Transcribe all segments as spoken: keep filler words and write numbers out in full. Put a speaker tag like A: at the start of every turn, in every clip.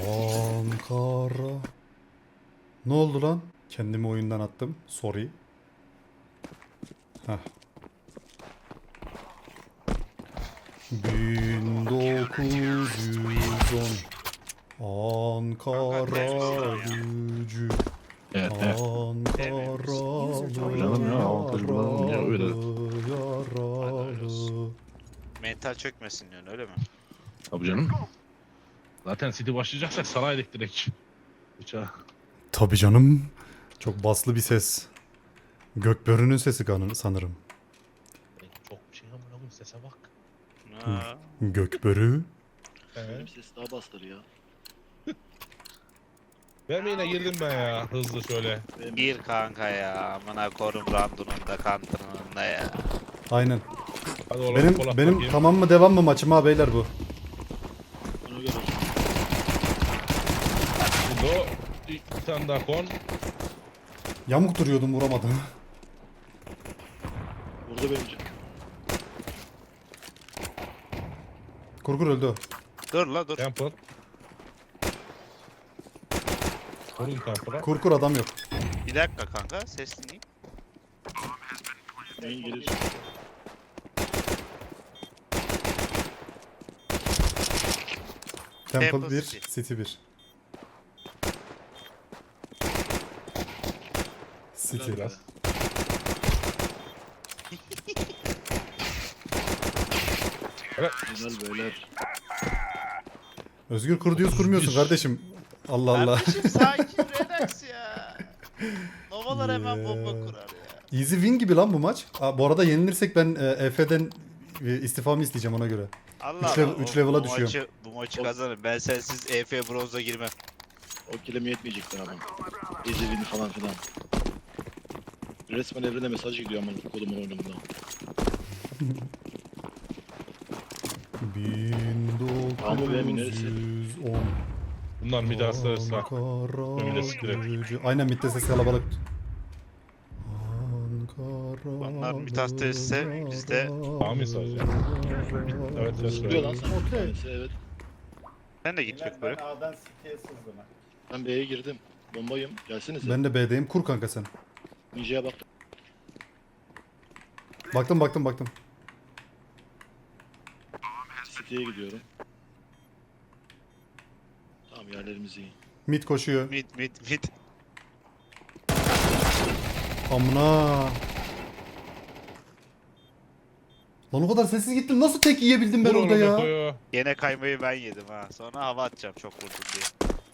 A: Ankara. Ne oldu lan? Kendimi oyundan attım. Sorry. Heh. bin dokuz yüz on Ankara gücü.
B: Evet, evet.
A: Ankaralı
B: Canım ya, avantajı bulalım ya, öyle.
A: yaralı.
C: Mental çökmesin diyorsun öyle mi?
B: Tabii canım. Zaten City başlayacaksak saraydık direkt. Bıçağı.
A: Tabii canım. Çok baslı bir ses. Gökbörü'nün sesi kanı- sanırım.
B: Çok bir şey amına koyayım, sese bak.
C: Ha.
A: Gökbörü.
D: Benim ses daha bastır ya.
B: Ben yine girdim ben ya, hızlı şöyle.
D: Benim
C: Gir kanka ya. Amına korum randunun da kantının da ya.
A: Aynen.
B: Hadi oğlum,
A: Benim
B: Polat
A: benim
B: bakayım.
A: tamam mı devam mı maçım ha beyler bu?
D: ona göre.
B: Şimdi o bir tane daha kon.
A: Yamuk duruyordum vuramadım.
D: Burada benim.
A: Kurgur öldü o.
C: Dur la dur.
B: Temple. Korun Temple'a.
A: Kurkur adam yok.
C: Bir dakika kanka ses dinleyeyim.
D: Neyin gelir?
A: Temple
C: Temple
A: bir,
C: City.
A: City bir. City.
B: Biraz.
D: Güzel beyler.
A: Özgür kur diyoruz kurmuyorsun kardeşim. Allah Allah.
C: Kardeşim sakin relax ya. Novalar hemen bomba
A: Yeah.
C: kurar ya.
A: Easy win gibi lan bu maç. Aa, bu arada yenilirsek ben e, E F'den e, istifamı isteyeceğim ona göre.
C: Allah
A: Üç level-
C: Allah,
A: üç
C: o-
A: level'a
C: bu
A: düşüyorum.
C: Maçı, bu maçı kazanırım. Ben sensiz E F bronza girmem.
D: O kilime yetmeyecekler ama. Ezilini falan filan. Resmen evrene mesaj gidiyor ama kodumun oyununda. Abi benim neresi?
A: bin dokuz yüz on
B: Bunlar mid aslarsa.
A: Ankara
B: Önüne siktir.
A: gücü. Aynen midde ses kalabalık. Ankara.
C: Bunlar mid aslarsa biz de-
B: Amin sadece. Evet, evet,
D: Sıkıyor lan
B: evet.
D: sana.
A: Okey.
D: Tanesi, evet.
C: Sen de git
E: Ben,
C: bak
E: ben
C: böyle.
E: A'dan City'ye sızdım. ha.
D: Ben B'ye girdim. Bombayım. Gelsenize.
A: Ben de B'deyim. Kur kanka sen.
D: Ninja'ya baktım.
A: Baktım baktım baktım.
D: City'ye gidiyorum. Tamam yerlerimiz iyi.
A: Mid koşuyor.
C: Mid mid mid.
A: Amına. Lan o kadar sessiz gittim. Nasıl tek yiyebildim ben
B: Vur
A: orada
B: oğlum
A: ya?
B: Eko'yu.
C: Gene kaymayı ben yedim ha. Sonra hava atacağım çok vurdum diye.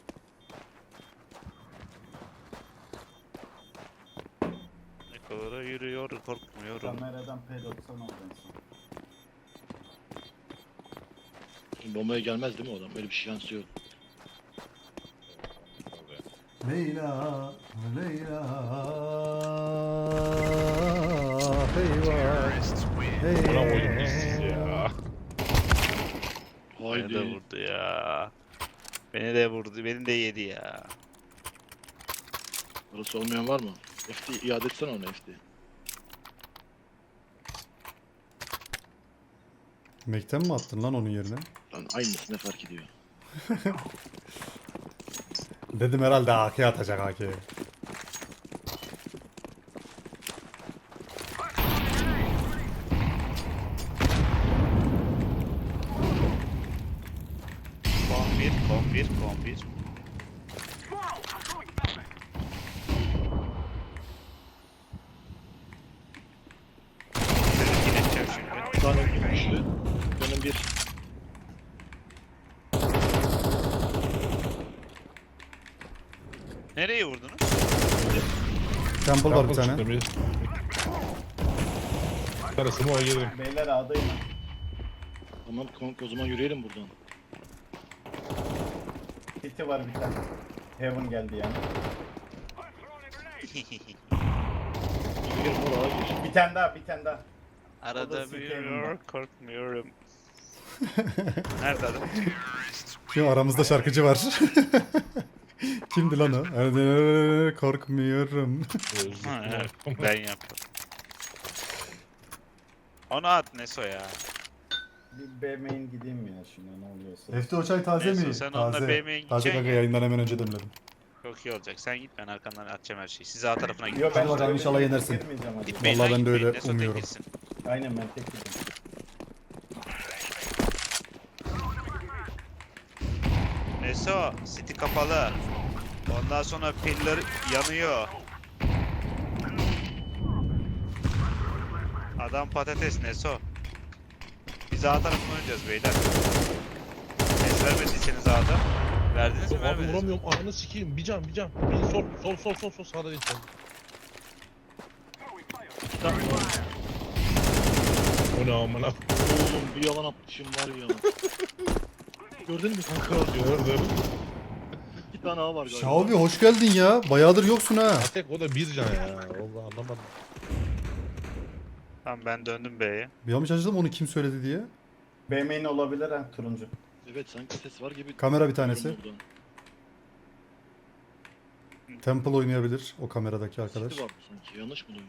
C: Eko'da yürüyor korkmuyorum.
E: Kameradan P doksan oldu en son.
D: Şimdi bombaya gelmez değil mi o adam? Öyle bir şansı yok.
A: Leyla, Leyla, heyvah,
B: Buna
A: heyvah.
B: koydum biz ya.
C: Beni de
D: Haydi.
C: vurdu ya. Beni de vurdu. Beni de yedi ya.
D: Orası olmayan var mı? F D iade etsene ona F D.
A: Mekten mi attın lan onun yerine?
D: Lan aynısı ne fark ediyor?
A: Dedim herhalde A K atacak A K'ye.
C: Kon bir, kon bir, kon bir. Seni kiliteceğim şimdi.
D: Bir tane öldüm düştü. Benim bir.
C: Nereye vurdunuz?
A: Temple var bir tane.
B: Çıktı bir. Karısı mı o girdim.
E: Beyler A'dayım.
D: Tamam kanka o zaman yürüyelim buradan.
E: City var bir tane. Heaven geldi yani.
D: Yürüyelim oraya gir.
E: Bir tane daha, bir tane daha. O da
C: Arada
E: sikeyim
C: büyüyor,
E: ben.
C: korkmuyorum. Nerede adam?
A: Şu aramızda şarkıcı var. Kimdi lan o? Hadi korkmuyorum.
C: Ha, evet, ben yaptım. Onu at Neso ya.
E: Bir B main gideyim ya şimdi ne oluyorsa.
A: Efti o çay taze
F: Neyse,
A: mi?
F: sen onunla
A: Taze.
F: B M'ye
A: Taze
F: gideceksin
A: kanka
F: ya.
A: yayından hemen önce demledim.
F: Çok iyi olacak. Sen git ben arkandan atacağım her şeyi. Siz A tarafına gidin.
E: Yo ben
A: Hadi bakalım,
E: öyle
A: inşallah
E: bir
A: yenersin.
E: girmeyeceğim hadi.
F: Gitmeyin
A: Vallahi
F: lan,
A: ben de öyle
F: gitmeyin. Neso tek
A: umuyorum.
F: gitsin.
E: Aynen ben tek gideyim.
F: Neso, City kapalı. Ondan sonra piller yanıyor. Adam patates Neso. Biz A tarafına oynayacağız beyler. Ses vermediyseniz A'da. Verdiniz mi
B: Abi
F: vermediniz mi?
B: vuramıyorum ananı sikeyim. Bir can bir can. Bir sol sol sol sol sol sağda değil sol. O ne amına.
D: Oğlum bir yalan atmışım var ya. Gördün mü kanka?
B: Gördüm.
D: İki tane A var galiba.
A: Şavi hoş geldin ya. Bayağıdır yoksun ha.
B: Tek o da bir can ya. Vallahi anlamadım.
F: Tamam ben döndüm B'ye.
A: Bir an şaşırdım onu kim söyledi diye.
E: B main olabilir ha turuncu.
D: Evet sanki ses var gibi.
A: Kamera bir tanesi.
D: Buradan.
A: Temple oynayabilir o kameradaki arkadaş.
D: Sesi vardı sanki. Yanlış mı duydum?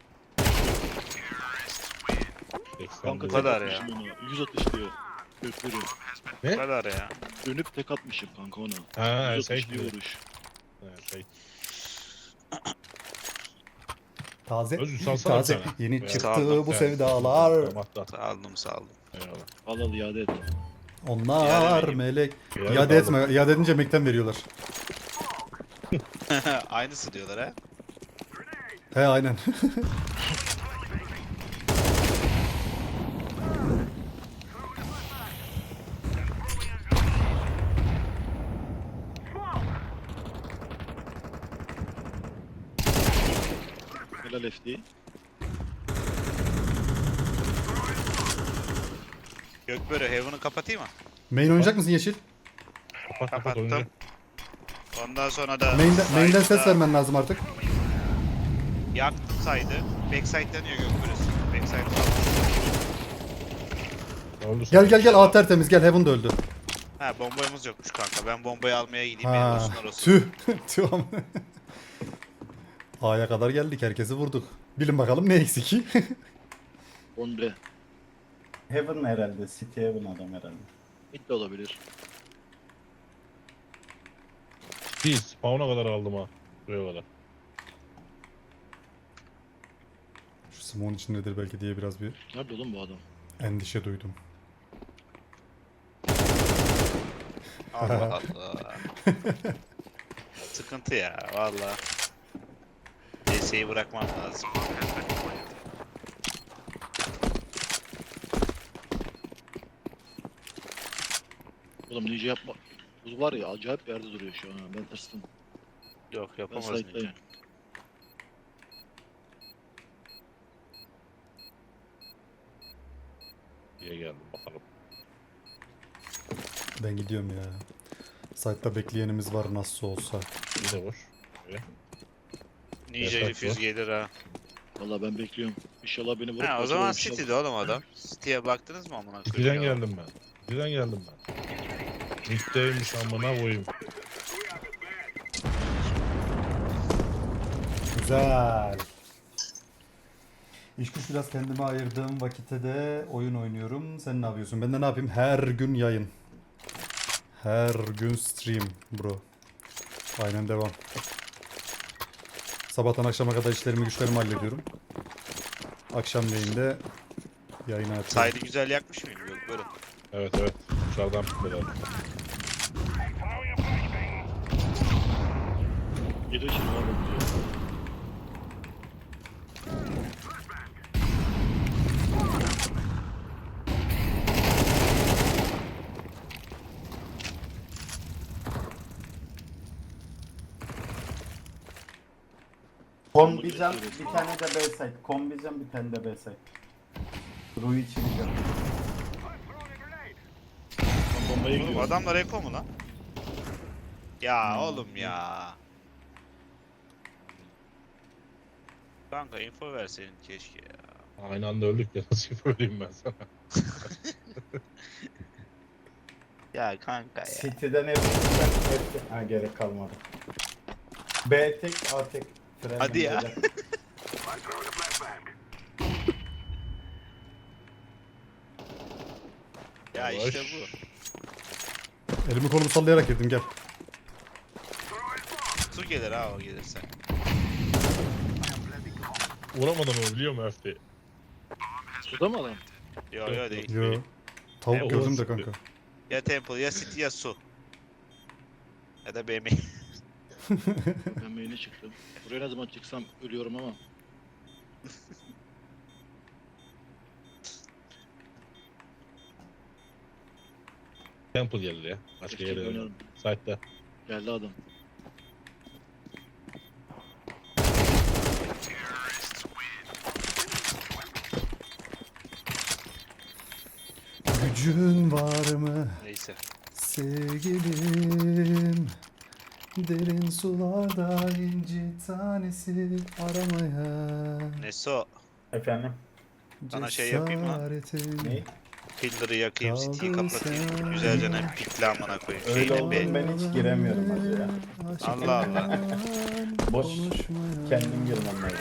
B: seksen
D: Kanka tek
F: kadar ya.
D: atmışım ona. yüz atış diyor. Gökleri.
F: Bu
B: Ne?
F: kadar ya.
D: Dönüp tek atmışım kanka ona.
B: Ha
D: yüz
B: şey
D: atış diyor
B: diyor.
D: vuruş.
B: Ha, şey.
A: Taze.
B: Özür, salsana
A: Taze.
B: bir tane.
A: Yeni
B: Ya.
A: çıktı
F: Sağ ol,
A: bu
B: Ya.
A: sevdalar.
B: Tamam, hatta.
F: Sağladım sağladım.
B: Eyvallah.
D: Al al iade et.
A: Onlar
F: Yani-
A: melek.
B: Yani
A: İade
B: kaldım.
A: etme. İade edince Mac'ten veriyorlar.
F: Aynısı diyorlar ha.
A: He aynen.
D: Helal F D.
F: Gökbörü Heaven'ı kapatayım mı?
A: Main oynayacak mısın Yeşil?
B: Kapat kapat
F: Kapattım.
B: oyunu.
F: Ondan sonra da
A: Main'den, main'den ses
F: side'da
A: vermen lazım artık.
F: yaktım side'ı. Backside dönüyor Gökbörü. Backside falan.
B: Ne oldu
A: Gel
B: sana?
A: gel gel A tertemiz gel Heaven da öldü.
F: Ha bombayımız yokmuş kanka. Ben bombayı almaya gideyim.
A: Ha,
F: Benim olsunlar olsun.
A: tüh. Tüh ama. A'ya kadar geldik herkesi vurduk. Bilin bakalım ne eksik.
D: on B.
E: Heaven herhalde. City Heaven adam herhalde.
D: Mid de olabilir.
B: Biz spawn'a kadar aldım ha. Buraya kadar.
A: Şu smoke'un içindedir belki diye biraz bir
D: Nerede oğlum bu adam?
A: endişe duydum.
F: Allah Allah. Sıkıntı ya valla. D S'yi bırakmam lazım.
D: Oğlum ninja yapma. Bu var ya acayip bir yerde duruyor şu an. ha. Ben tırstım.
F: Yok
D: Ben
F: yapamaz
D: side'dayım.
F: ninja.
B: Diye geldim bakalım.
A: Ben gidiyorum ya. Site'da bekleyenimiz var nasıl olsa.
B: Bir de boş.
F: Ninja
B: Yasak
F: refüz
B: var.
F: gelir ha.
D: Valla ben bekliyorum. İnşallah beni vurup
F: Ha o
D: kaçırır
F: zaman
D: inşallah.
F: City'de oğlum adam. City'ye baktınız mı amına
B: City'den
F: koyayım? ya?
B: geldim ben. City'den geldim ben. Mid'deymiş amına koyayım.
A: Güzel. İş güç biraz kendime ayırdığım vakitte de oyun oynuyorum. Sen ne yapıyorsun? Ben de ne yapayım? Her gün yayın. Her gün stream bro. Aynen devam. Sabahtan akşama kadar işlerimi güçlerimi hallediyorum. Akşamleyin de yayına açıyorum.
F: Side'ı güzel yakmış mıyım? Yok böyle.
B: Evet evet. Dışarıdan böyle.
D: Geliyor şimdi var diyor.
E: Kombicam bir tane de B side. Kombicam bir tane de B side. Rui çiğneyeceğim.
D: Ben bombaya
F: Oğlum
D: gidiyorum.
F: adamlar eko mu lan? Ya oğlum ya. Kanka info verseydin keşke ya.
B: Aynı anda öldük ya nasıl söyleyeyim ben sana.
F: Ya kanka ya.
E: City'den hepsinden hepsi. Ha gerek kalmadı. B tek A tek. Fren
F: Hadi ya.
E: önceler.
F: Ha
B: Yavaş.
F: işte bu.
A: Elimi kolumu sallayarak girdim gel.
F: Su gelir ha o gelirse.
B: Vuramadım onu biliyor musun Öfte?
D: Suda mı adam?
F: Yo yo değil.
A: Yo. Tavuk
F: Evet,
A: gördüm de
B: sıktı.
A: kanka.
F: Ya Temple ya City ya su. Ya da B M.
D: Ben main'e çıktım. Buraya ne zaman çıksam ölüyorum ama.
B: Temple geldi ya. Başka
D: Keşke
B: yere
D: oynarım.
B: oynayalım. Site'da.
D: Geldi adam.
A: Gücün var mı
F: Neyse.
A: sevgilim? Derin sularda inci tanesi aramaya.
F: Neso.
E: Efendim?
F: Sana şey yapayım mı?
A: cesaretin
E: Ne?
F: Pillar'ı yakayım, City'yi
A: Kaldın
F: kapatayım.
A: sen.
F: Güzelce ne pikle amına koyayım.
E: Öyle
F: Şeyde
E: oldu
F: B.
E: ben hiç giremiyorum hacı ya.
F: Allah Allah.
E: Boş.
A: Konuşmaya.
E: Kendim girmem lazım.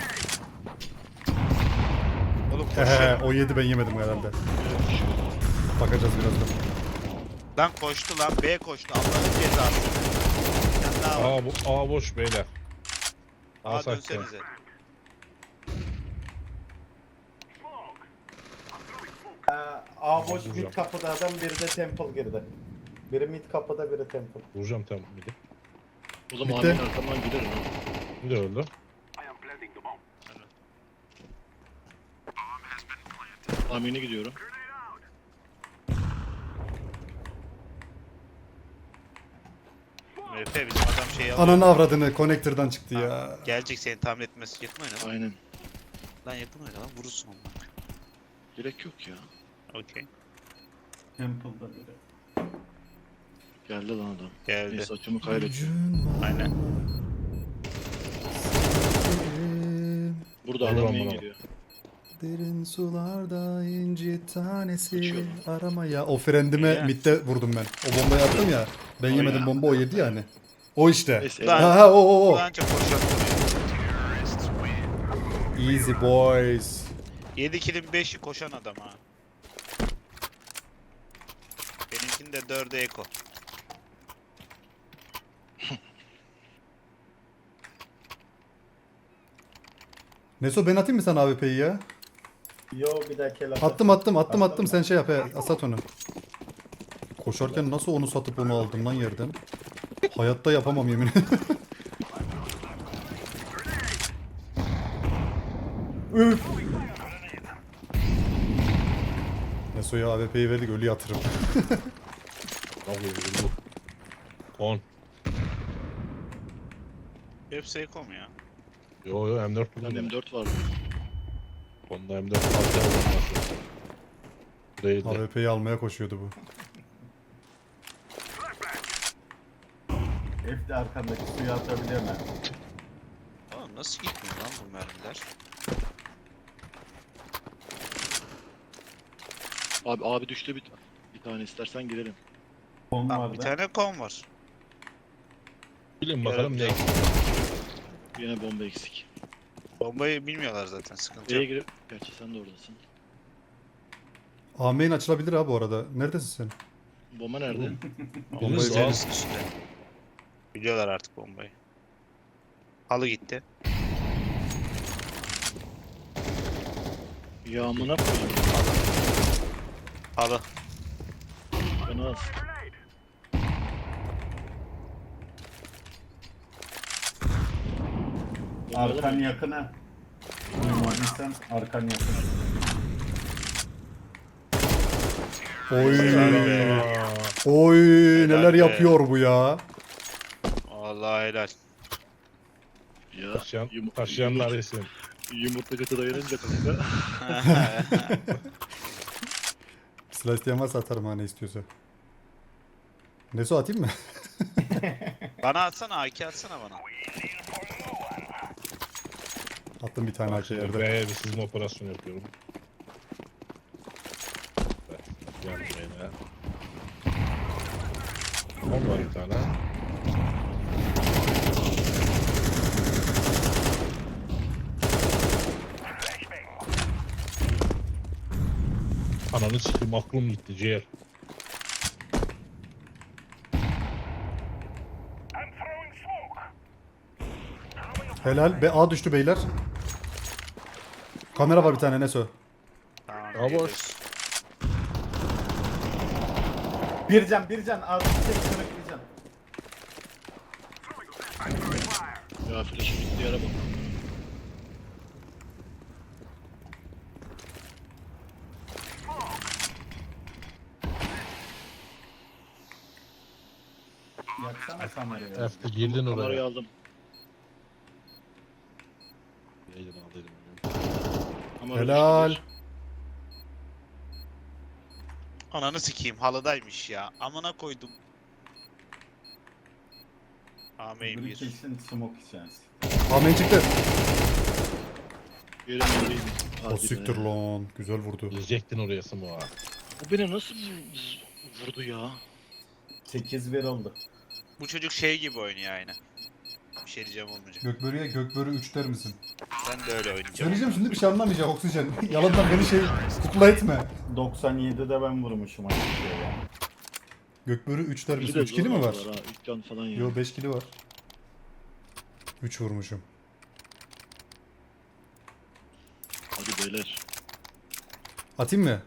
F: Oğlum
A: Hehe,
F: koşuyor.
A: o yedi ben yemedim herhalde. Bakacağız birazdan.
F: Lan koştu lan. B koştu. Allah'ın cezası. Bir tane daha var.
B: Aa, bo Aa boş beyler.
F: Aa
B: site'da.
F: dönsenize.
E: Ee, A boş
B: Vuracağım.
E: mid kapıda adam, biri de temple girdi. Biri mid kapıda, biri temple.
B: Vuracağım Temple midi.
D: O zaman
A: Bitti.
D: Ahmet'in arkamdan giderim ha.
B: Bir de öldü.
D: Amin'e gidiyorum.
F: M F bizim adam şey alıyor.
A: Ananı avradını connector'dan çıktı ya.
F: Gelecek seni tamir etmesi. Yakın oyna lan.
D: Aynen.
F: Lan yakın oyna lan. Vurursun onu.
D: Gerek yok ya.
F: Okey.
E: Temple'da biri.
D: Geldi lan adam.
F: Geldi.
D: Neyse açımı kaybettim.
A: Gücün var
F: Aynen.
A: sevgilim.
D: Burada
B: Vur
D: adam
B: lan
D: main
B: bana.
D: geliyor.
A: Derin sularda inci tanesi
D: Kaçıyorum.
A: aramaya. O frendime
F: Ya.
A: midde vurdum ben. O bombayı attım ya. Ben
D: O
A: yemedim
D: ya.
A: bomba o yedi yani. O işte.
D: Neyse.
F: Lan.
A: Ha ha o o o.
F: Ulan çok koşuyor.
A: Easy boys.
F: yedi kilin beşi koşan adam ha. Benimkinde dörde eko.
A: Neso ben atayım mı sana A W P'yi ya?
E: Yo bir dahaki el
A: Attım attım attım
E: Attın
A: attım
E: mı?
A: sen şey yap he asat onu. Koşarken nasıl onu satıp onu aldım lan yerden? Hayatta yapamam yemin ederim. Üf. Neso'ya A W P'yi verdik ölü yatırım.
B: Vallahi vurdu. on.
F: Hepsi eko mu ya?
B: Yo yo M dört
D: Lan
B: buldum.
D: M dört vardı.
B: Onda M dört altı aldım nasıl? Değildi.
A: A W P'yi almaya koşuyordu bu.
E: F de arkandaki suyu atabiliyor mu?
F: Oğlum nasıl gitmiyor lan bu mermiler?
D: Abi abi düştü bir, bir tane istersen girelim.
E: Konu
F: Lan bir
E: vardı.
F: tane kon var.
B: Bilin bakalım ne
F: Yarın-
B: eksik.
D: Yine bomba eksik.
F: Bombayı bilmiyorlar zaten sıkıntı
D: B'ye
F: yok.
D: girip... Gerçi sen de oradasın.
A: A main açılabilir ha bu arada. Neredesin sen?
D: Bomba nerede?
A: Bombayı
B: Biriniz
A: bir-
B: al.
F: Üstünde. Biliyorlar artık bombayı. Halı gitti.
D: Yağmına koyayım.
F: Halı.
D: Bana az.
E: Arkan yakına. Duymadıysan arkan yakına.
A: Oy.
B: Aa,
A: Oy neler
F: be.
A: yapıyor bu ya.
F: Vallahi helal.
D: Ya
B: Taşıyan,
D: yum-
B: taşıyanlar
D: yumurta,
B: yesin.
D: yumurta götü dayanınca kanka.
A: Silah isteyen varsa atarım ha ne istiyorsa. Neso atayım mı?
F: Bana atsana A iki atsana bana.
A: Attım bir tane A K yerde.
B: B'ye bir sızma operasyonu yapıyorum. Evet, yan B'ye. on var bir tane. Ananı sikeyim aklım gitti ciğer.
A: Helal. Be A düştü beyler. Kamera var bir tane Neso.
F: Tamam.
B: Ya boş.
F: geliyoruz.
E: Bir can bir can. Artık tek kırık bir can.
D: Ya flash'ın gittiği yere bak.
E: Yaksana kamerayı.
B: Efte girdin
D: Kamerayı
B: oraya.
D: aldım.
B: Yayını aldıydım.
D: Kamera
A: Helal.
D: düştü.
F: Ananı sikeyim halıdaymış ya. Amına koydum. Ameyin
E: Bir
F: bir.
E: kesin smoke içerisi.
A: Amen çıktı.
D: Yerim yeriydi.
A: O
D: Hadi
A: siktir
D: be.
A: lan. Güzel vurdu.
B: Girecektin oraya Smoa.
D: O beni nasıl vur- vurdu ya?
E: sekiz bir oldu.
F: Bu çocuk şey gibi oynuyor aynı. Bir şey diyeceğim olmayacak.
A: Gökbörü'ye Gökbörü üç der misin?
F: Ben de öyle oynayacağım.
A: Söyleyeceğim şimdi bir şey anlamayacak oksijen. Yalandan beni şey kukla etme.
E: doksan yedide ben vurmuşum aynı şey ya.
A: Gökbörü üç der
D: Bir
A: misin?
D: de
A: üç kili mi
D: zor
A: var?
D: aldılar ha, üç can falan ya.
A: Yo beş kili var. üç vurmuşum.
D: Hadi beyler.
A: Atayım mı?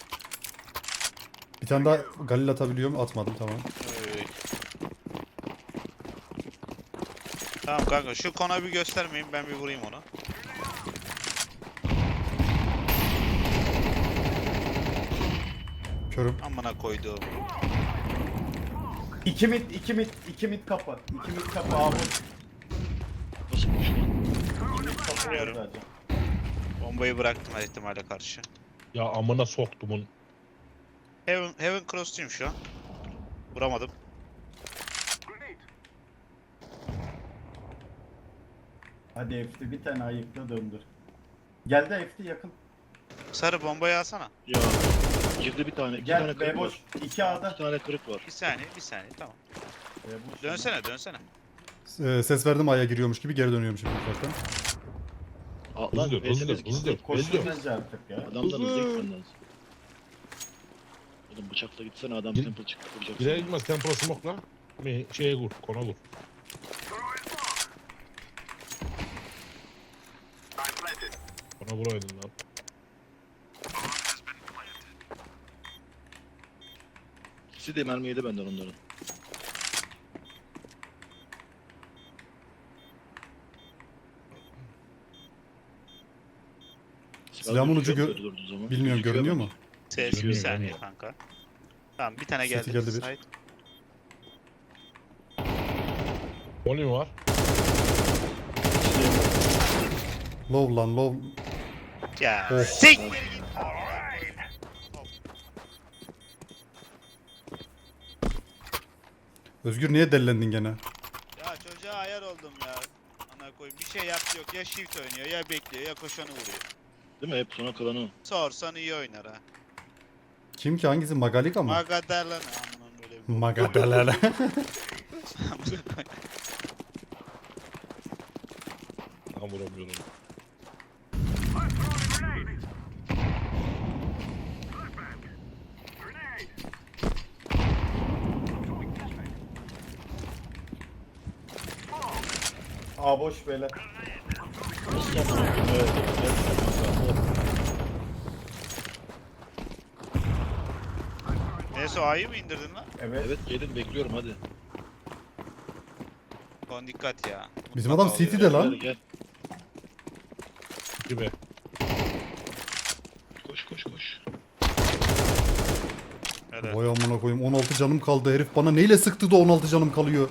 A: Bir tane daha Galil atabiliyorum. Atmadım tamam.
F: Oy. Tamam kanka şu kona bir göstermeyin ben bir vurayım onu.
A: Körüm.
F: Amına koyduğum.
E: İki mid, iki mid, iki mid kapı. İki mid kapı abi.
D: Nasıl bir şey?
E: İki mid kapı var
F: Biliyorum.
E: zaten.
F: Bombayı bıraktım her ihtimale karşı.
B: Ya amına soktumun.
F: Heaven, Heaven Cross'tayım şu an. Vuramadım.
E: Hadi F T bir tane ayıkla döndür. Geldi F T yakın.
F: Sarı bombayı alsana.
D: Ya girdi bir tane. iki tane
E: Gel
D: kırık
E: B boş.
D: var.
E: İki
D: İki
E: A'da.
D: tane kırık var.
F: Bir saniye bir saniye tamam.
E: B boş.
F: Dönsene dönsene.
A: Ee, ses verdim A'ya giriyormuş gibi geri dönüyorum şimdi ufaktan.
D: Aa,
B: Hızlı
D: lan
B: dur, hızlı
D: V'siniz
B: dur,
D: gitti.
B: hızlı dur.
E: Koştu
B: Belli.
E: bence artık ya.
D: Adamdan
B: Hızlı.
D: hızlı gitmen lazım. Oğlum bıçakla gitsene adam
B: Gir-
D: temple çıkıp vuracak.
B: Girer
D: seni.
B: gitmez Temple Smoke'la. Mi şeye vur, kona vur. Kona vuraydın lan.
D: İkisi de mermi yedi benden onların.
A: Silahımın ucu
D: gözüküyor
A: gö-
D: mu böyle durduğu zaman?
A: Bilmiyorum
D: Gözüküyor
A: görünüyor
D: mu?
A: mu?
F: Ses bir
B: Görünüyor,
F: saniye
B: görünüyor.
F: kanka. Tamam bir tane
A: Seti
F: geldi.
A: geldi bir.
F: Side.
B: Oli mi var?
A: Low lan low.
F: Ya
A: Oh.
F: siktir git.
A: Özgür niye delilendin gene?
F: Ya çocuğa ayar oldum ya. Ana koyayım bir şey yaptı yok ya shift oynuyor ya bekliyor ya koşanı vuruyor.
D: Değil mi? Hep sona kalanı.
F: Sorsan iyi oynar ha.
A: Kim ki hangisi? Magalika mı?
F: Magadarlan amına böyle bir.
A: Magadalala.
F: Amına koyayım.
B: Tam vuramıyorum.
E: A boş beyler.
D: Evet.
F: Neyse o A'yı mı indirdin lan?
E: Evet.
D: Evet gelin bekliyorum hadi.
F: Kon dikkat ya.
A: Bizim adam
F: Mutlaka
A: City'de
F: oluyor.
A: lan.
D: Gel gel.
B: Gibi.
D: Koş koş koş.
F: Evet.
A: Vay amına koyayım on altı canım kaldı herif bana neyle sıktı da on altı canım kalıyor.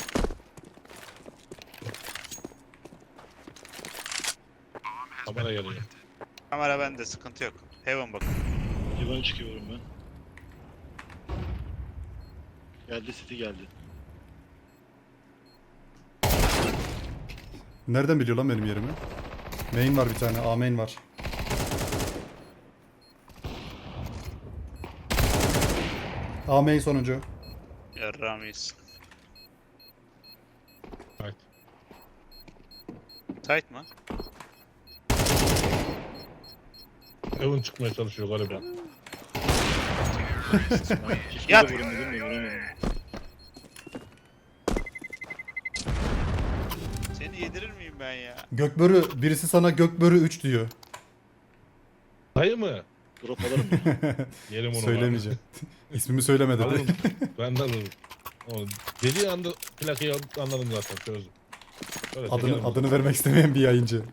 B: Kamera geliyor.
F: Kamera bende sıkıntı yok. Heaven bakın.
D: Divan çıkıyorum ben. Geldi City geldi.
A: Nereden biliyor lan benim yerimi? Main var bir tane. A main var. A main sonuncu.
F: Yarramayız.
B: Evet.
F: Tight mı?
B: Evan çıkmaya çalışıyor galiba.
D: Keşke
F: Yat.
D: de vurayım dedim de vuramadım.
F: Seni yedirir miyim ben ya.
A: Gökbörü birisi sana Gökbörü üç diyor.
B: Dayı mı?
D: Drop alırım ya.
B: Yerim onu.
A: Söylemeyeceğim. İsmimi söyleme dedi.
B: Alırım. Ben de alırım. O dediği anda plakayı alıp anladım zaten çözdüm. Öyle
A: Adını,
B: çekerim.
A: adını vermek istemeyen bir yayıncı.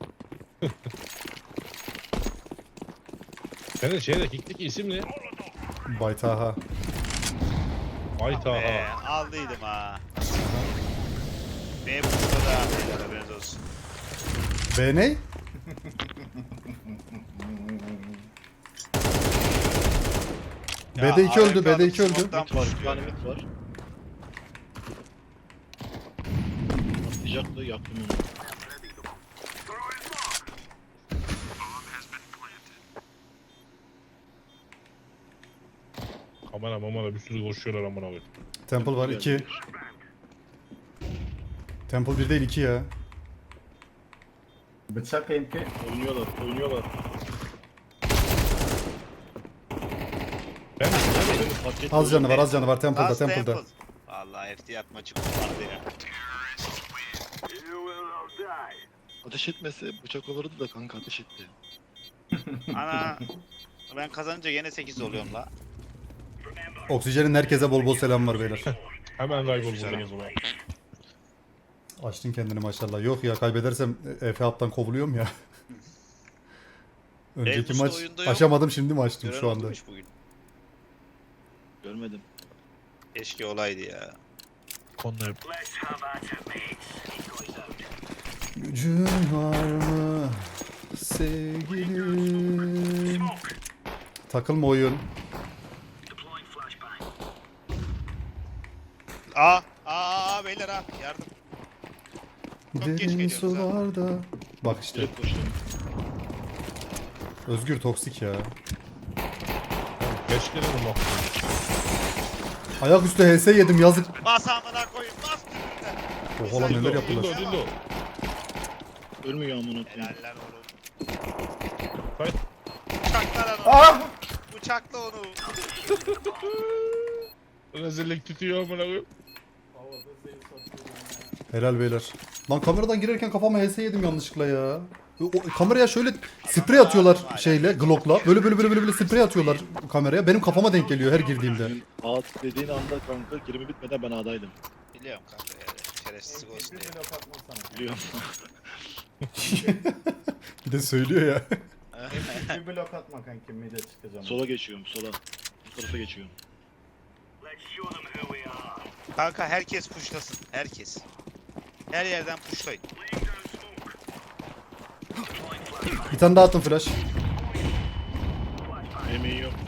B: Senin şeyde kick'teki isim ne?
A: Baytaha.
B: Ay
F: Ee,
B: Taha.
F: aldıydım ha. Benim burada da beyler haberiniz olsun.
A: B ne?
F: Ya,
A: B'de iki öldü,
F: Amerika
A: B'de iki
F: adam
A: öldü.
F: smoke'tan
D: Mit var, bir
F: pushluyor.
D: tane mit var. Atlayacaktı, yaktım onu.
B: Kamera mamara bir sürü koşuyorlar amına koyayım.
A: Temple var iki. Temple bir değil iki ya.
E: Bıçak M K.
D: Oynuyorlar, oynuyorlar.
B: Ben de
D: Beni fark etmiyor.
A: Az canı var, az canı var Temple'da,
F: Last
A: Temple'da.
F: Temple. Vallahi ihtiyat maçı kurtardı ya.
D: Ateş etmese bıçak olurdu da kanka ateş etti.
F: Ana ben kazanınca gene sekiz oluyorum la.
A: Oksijenin herkese bol bol selam var beyler.
B: hemen kaybol buradan o zaman.
A: Açtın kendini maşallah. Yok ya kaybedersem Efe Hap'tan kovuluyorum ya. Önceki
F: Elbus'ta
A: maç
F: oyunda yok.
A: aşamadım, şimdi mi açtım
F: Gören
A: şu anda.
F: olmuş bugün.
D: Görmedim.
F: Keşke olaydı ya.
B: Konuları.
A: Gücün var mı sevgilim? Takılma oyun.
F: Aa, aa, aa beyler ha yardım. Çok geç
A: Derin
F: geliyoruz ha.
A: sularda. Bak işte.
D: Direkt koştum.
A: Özgür toksik ya.
B: Geç gelelim bak.
A: Ayaküstü H S yedim yazık.
F: Bas amına koyun bas tümünde.
A: Oha lan neler
B: Dildo,
A: yaptılar.
B: dildo, dildo.
D: Ölmüyor amına koyayım.
F: Helaller oğlum.
B: Hayır.
F: Bıçaklar onu.
E: Ah!
F: Bıçakla onu.
B: Rezillik tutuyor amına koyayım.
A: Helal beyler. Lan kameradan girerken kafama H S yedim yanlışlıkla ya. O, kameraya şöyle sprey atıyorlar şeyle, Glock'la. Böyle böyle böyle böyle böyle sprey atıyorlar kameraya. Benim kafama denk geliyor her girdiğimde.
D: Senin A dediğin anda kanka girimi bitmeden ben A'daydım.
F: Biliyorum kanka ya. Şerefsizlik olsun diye.
D: Biliyorum.
A: Bir de söylüyor ya.
E: Bir blok atma kanki, mid'e çıkacağım.
D: Sola geçiyorum sola. Bu tarafa geçiyorum.
F: Kanka herkes pushlasın. Herkes. Her yerden pushlayın.
A: Bir tane daha attım flash.
D: Emeği yok.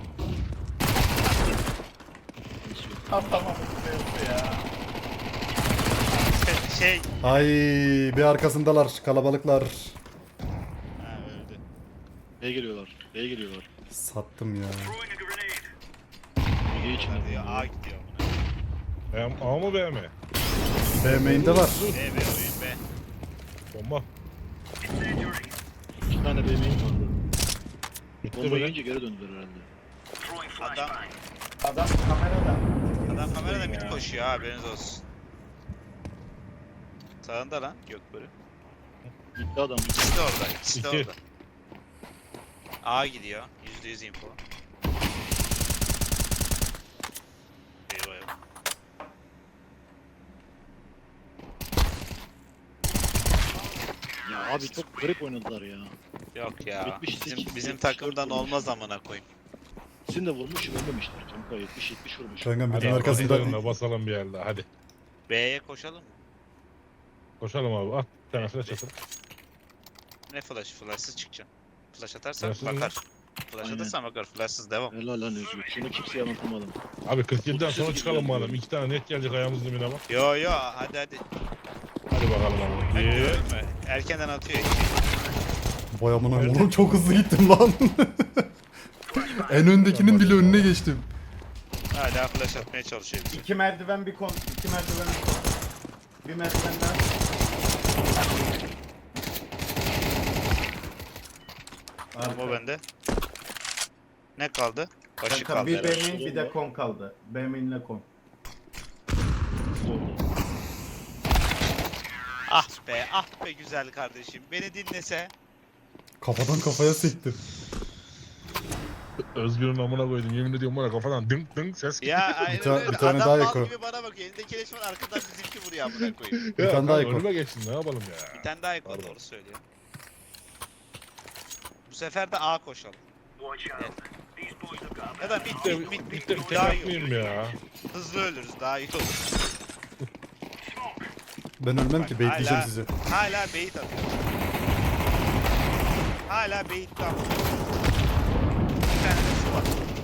E: Atamadım ya.
F: Şey.
A: Ay bir arkasındalar kalabalıklar.
F: Ha öldü.
D: B'ye geliyorlar. B'ye geliyorlar.
A: Sattım ya.
D: B'ye için
F: Hadi ya A gidiyor buna.
B: Ben A mı B mi?
A: B main'de var.
F: B B oyun B.
B: Bomba.
D: İki tane B main vardı.
B: Bitti
D: Bomba
B: mi?
D: yiyince geri döndüler herhalde.
F: Adam,
E: Adam kamerada.
F: adam kamerada mid koşuyor ha haberiniz olsun. Sağında lan Gökbörü.
D: Gitti adam.
F: İkisi de orada. İkisi de
B: İki.
F: orada. A gidiyor. yüzde yüz info. Eyvah eyvah.
D: Ya abi çok garip oynadılar ya.
F: Yok ya.
D: yetmiş sekiz,
F: Bizim bizim
D: yetmiş dört
F: takımdan
D: olmuş.
F: olmaz amına koyayım.
D: İkisini de vurmuş ölmemişler kanka. yetmiş yetmiş vurmuş.
A: Kankam
B: Hadi
A: bütün arkasında.
B: arkasında basalım bir yerde hadi.
F: B'ye koşalım mı?
B: Koşalım abi at. Bir tane flash atın.
F: Ne flash? Flashsız çıkacağım. Flash atarsan
B: Flashsız mı?
F: bakar. Flash
D: Aynen.
F: atarsan bakar. Flashsız devam.
D: Helal lan Özgür. Şunu kimseye anlatamadım.
B: Abi kırk yediden sonra
D: otuz
B: çıkalım
D: sekiz
B: madem. İki tane net gelecek ayağımız dibine bak.
F: Yo yo hadi hadi.
B: Hadi bakalım abi.
F: Hadi
B: Bir.
F: görme. Erkenden atıyor.
A: Vay amına oğlum çok hızlı gittim lan. En öndekinin bile önüne geçtim.
F: Hala flash atmaya çalışıyor bize.
E: İki merdiven bir kon. İki merdiven bir kon. Bir merdiven daha.
F: Ama bende. Ne kaldı? Başı
E: Kanka
F: kaldı
E: bir
F: herhalde.
E: B main bir de kon kaldı. B main'le kon.
F: Ah be, ah be güzel kardeşim. Beni dinlese.
A: Kafadan kafaya sektim.
B: Özgür'ün amına koydum. Yemin ediyorum bana kafadan dınk dınk ses gitti.
F: Ya aynen
A: ta-
F: öyle.
A: bir tane
F: Adam
A: daha
F: mal
A: yakın.
F: gibi bana bakıyor. Elinde keleş var, arkadan bizimki vuruyor amına koyayım.
A: Bir
B: Ya
A: tane daha
B: kanka,
A: ekor.
B: önüme geçsin ne yapalım ya.
F: Bir tane daha ekle,
B: Pardon.
F: doğru söylüyor. Bu sefer de A koşalım. Evet. Ya da mid
B: Bir de,
F: mid mid
B: bir de
F: mid
B: tek
F: daha iyi olur.
B: atmayayım ya.
F: Hızlı ölürüz, daha iyi olur.
A: Ben ölmem ki, bekleyeceğim
F: Hala-
A: sizi.
F: Hala bait atıyor. Hala bait tam. Bir tane de su var.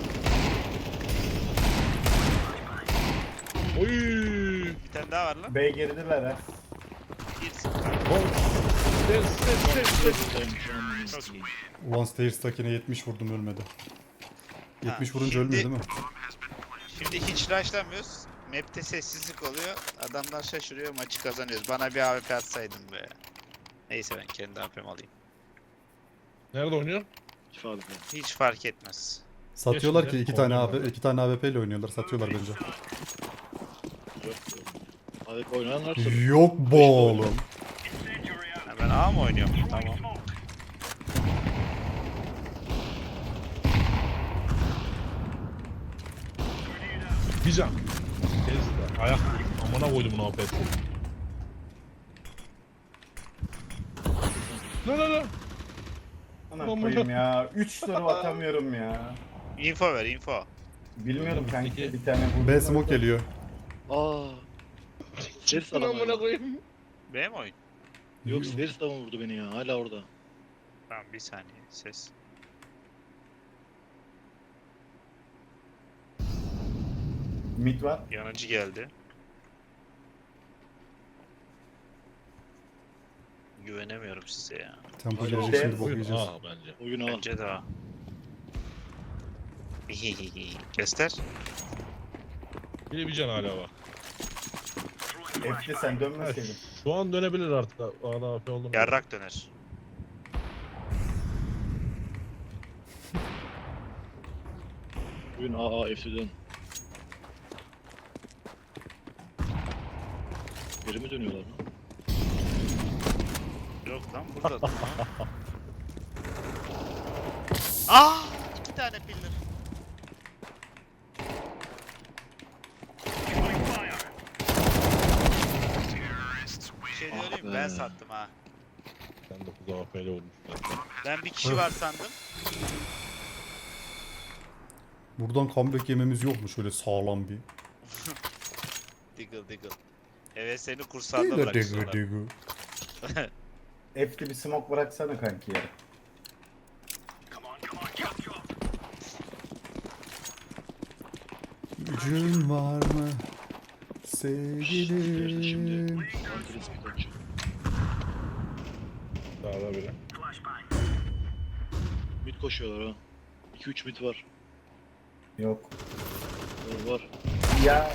B: Oy.
F: Bir tane daha var lan.
E: B girdiler ha.
F: Girsin.
B: Bom. Ses ses ses ses.
D: Buradayım şu an.
F: Çok iyi.
A: Ulan Stairs'takine yetmiş vurdum, ölmedi. yetmiş vurunca
F: şimdi-
A: ölmüyor değil mi?
F: Şimdi hiç rushlamıyoruz. Map'te sessizlik oluyor. Adamlar şaşırıyor, maçı kazanıyoruz. Bana bir A W P atsaydın be. Neyse ben kendi A W P'mi alayım.
B: Nerede oynuyor?
D: Şifa abi.
F: Hiç fark etmez.
A: Satıyorlar
B: Geçmedi.
A: ki iki tane
B: Oynuyorlar.
A: A W P, iki tane A W P ile oynuyorlar. Satıyorlar bence.
D: Yok. Abi oynayanlar tabii.
A: Yok bu oğlum.
F: Ha, ben A mı oynuyorum? Tamam.
B: Bir can. Kes de. Ayak amına koydum bunu afet. Ne ne ne?
E: Ana
B: Aman
E: koyayım
B: da-
E: ya. üç tur atamıyorum ya.
F: Info ver, info.
E: Bilmiyorum kanka,
B: Peki.
E: bir tane vurdum.
A: B smoke geliyor.
D: Aa. Seris adam
B: Amına
D: hala.
B: koyayım.
F: B mi oyun?
D: Yok Seris adam vurdu beni ya. Hala orada.
F: Tamam, bir saniye ses.
E: Mid var.
F: Yanıcı geldi. Güvenemiyorum size ya.
A: Tempo
D: Hadi
A: gelecek
E: işte.
A: şimdi, bok
B: Oyun
A: yiyeceğiz.
B: A bence.
D: Oyunu al.
F: Bence daha. Göster.
B: Bir de bir can hala var.
E: F'de sen dönmeseydin.
B: Şu an dönebilir artık. A'da A F oldu mu?
F: Yarrak döner.
D: Oyun A A F C'den. Geri mi dönüyorlar lan?
F: Yok lan, burada da. Aa! İki tane pillar. Bir şey
D: Ah
F: diyorum, ben
D: be.
F: sattım ha.
B: Sen dokuz A F ile vurmuş.
F: Ben bir kişi var sandım.
A: Buradan comeback yememiz yok mu şöyle sağlam bir?
F: Diggle diggle. Evet, seni kursağında
A: Digga digga
F: bırakıyorlar.
A: digga.
E: F'de bir smoke bıraksana kanki ya.
A: Gücün var mı
D: Nerede şimdi?
A: sevgilim?
D: Antres bir kaç.
B: Sağda bile.
D: Mid koşuyorlar ha. iki üç mid var.
E: Yok.
D: Var var.
E: Ya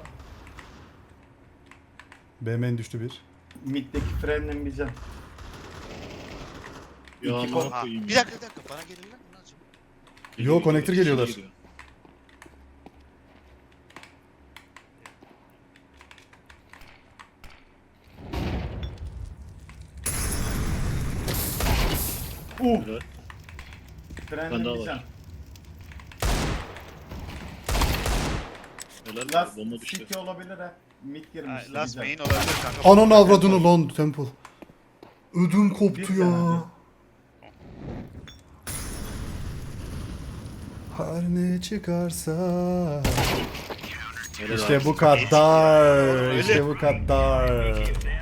A: B main düştü bir.
E: middeki frenin bir can.
D: Ya
E: İki
D: amına
E: kol-
F: Ha,
D: koyayım
F: bir
D: ya.
F: dakika bir dakika, bana gelirler mi lan acaba?
D: Geliyor,
A: Yo, connector
D: geliyor,
A: geliyorlar.
D: geliyor.
E: Uh!
D: Helal.
E: Frenin
D: Ben daha
E: bir
D: var.
E: can.
D: Helal.
E: Last
D: Bomba düştü.
E: city olabilir ha. Mid
F: Ha,
E: girmişti.
F: last
E: bir can.
F: main olabilir kanka.
A: Ananı avradını lan Temple. Ödüm koptu
E: Bir
A: ya.
E: tane.
A: Her ne çıkarsa.
D: Helal
A: İşte
D: abi.
A: bu kadar.
F: Öyle.
A: İşte bu kadar.